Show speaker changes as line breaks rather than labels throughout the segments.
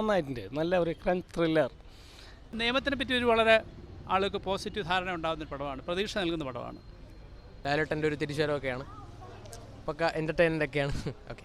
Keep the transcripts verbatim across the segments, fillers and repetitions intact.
നന്നായിട്ടുണ്ട്. നല്ല ഒരു ക്രൈം ത്രില്ലർ.
നിയമത്തിനെ പറ്റി ഒരു വളരെ ആളുകൾക്ക് പോസിറ്റീവ് ധാരണ ഉണ്ടാകുന്ന ഒരു പടമാണ്, പ്രതീക്ഷ നൽകുന്ന പടമാണ്.
ലാലേട്ടൻ്റെ ഒരു തിരിച്ചുവരവൊക്കെയാണ്, പക്ക എൻ്റർടൈൻമെൻ്റ് ഒക്കെയാണ്. ഓക്കെ,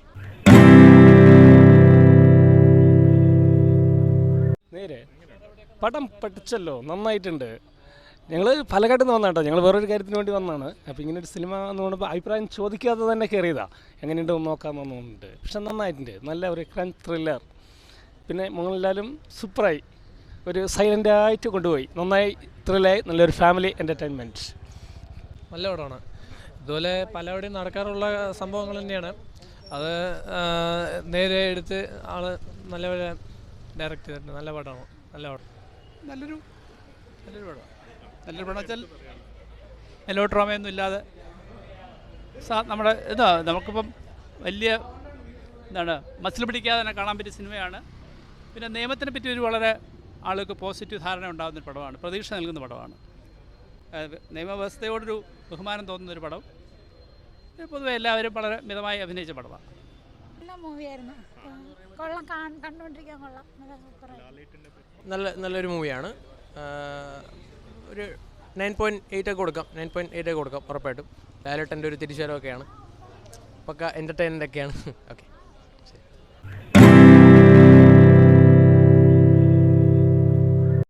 നേരെ പടം പഠിച്ചല്ലോ, നന്നായിട്ടുണ്ട്. ഞങ്ങൾ പാലക്കാട്ടിൽ നിന്ന് വന്നാട്ടോ, ഞങ്ങൾ വേറൊരു കാര്യത്തിന് വേണ്ടി വന്നതാണ്. അപ്പോൾ ഇങ്ങനെ ഒരു സിനിമ എന്ന് പറയുമ്പോൾ അഭിപ്രായം ചോദിക്കാതെ തന്നെ കയറിയതാണ്, എങ്ങനെയുണ്ടെന്ന് നോക്കാമെന്ന് തോന്നുന്നുണ്ട്. പക്ഷെ നന്നായിട്ടുണ്ട്, നല്ല ഒരു ക്രൈം ത്രില്ലർ. പിന്നെ മോഹൻലാലും സൂപ്പറായി, ഒരു സൈലൻ്റായിട്ട് കൊണ്ടുപോയി, നന്നായി ത്രില്ലായി, നല്ലൊരു ഫാമിലി എൻ്റർടൈൻമെൻറ്റ്.
നല്ല പടമാണ്. ഇതുപോലെ പലവിടെയും നടക്കാറുള്ള സംഭവങ്ങൾ തന്നെയാണ്. അത് നേരെ എടുത്ത് ആൾ നല്ലപോലെ ഡയറക്റ്റ് ചെയ്തിട്ടുണ്ട്. നല്ല പടമാണ്, നല്ല പടം,
നല്ലൊരു നല്ലൊരു പടം. നല്ലൊരു പടം വെച്ചാൽ മെലോ ഡ്രാമയൊന്നും ഇല്ലാതെ സാ നമ്മുടെ ഇതാ നമുക്കിപ്പം വലിയ എന്താണ് മസിൽ പിടിക്കാതെ തന്നെ കാണാൻ പറ്റിയ സിനിമയാണ്. പിന്നെ നിയമത്തിനെ പറ്റി ഒരു വളരെ ആളുകൾക്ക് പോസിറ്റീവ് ധാരണ ഉണ്ടാകുന്നൊരു പടമാണ്, പ്രതീക്ഷ നൽകുന്ന പടമാണ്. നിയമവ്യവസ്ഥയോടൊരു ബഹുമാനം തോന്നുന്നൊരു പടം. പൊതുവെ എല്ലാവരും വളരെ മിതമായി അഭിനയിച്ച പടമാണ്.
നല്ല മൂവിയായിരുന്നു, കൊള്ളാം, കണ്ടുകൊണ്ടിരിക്കാൻ കൊള്ളാം, നല്ല സൂപ്പറായി.
നല്ല നല്ലൊരു മൂവിയാണ്. ഒരു നയൻ പോയിൻറ്റ് എയ്റ്റ് ഒക്കെ കൊടുക്കാം, നയൻ പോയിൻറ്റ് എയ്റ്റ് ഒക്കെ കൊടുക്കാം ഉറപ്പായിട്ടും. ലാലേട്ടൻ്റെ ഒരു തിരിച്ചുവരവൊക്കെയാണ്, പക്ക എൻ്റർടൈൻമെൻ്റ് ഒക്കെയാണ്. ഓക്കെ.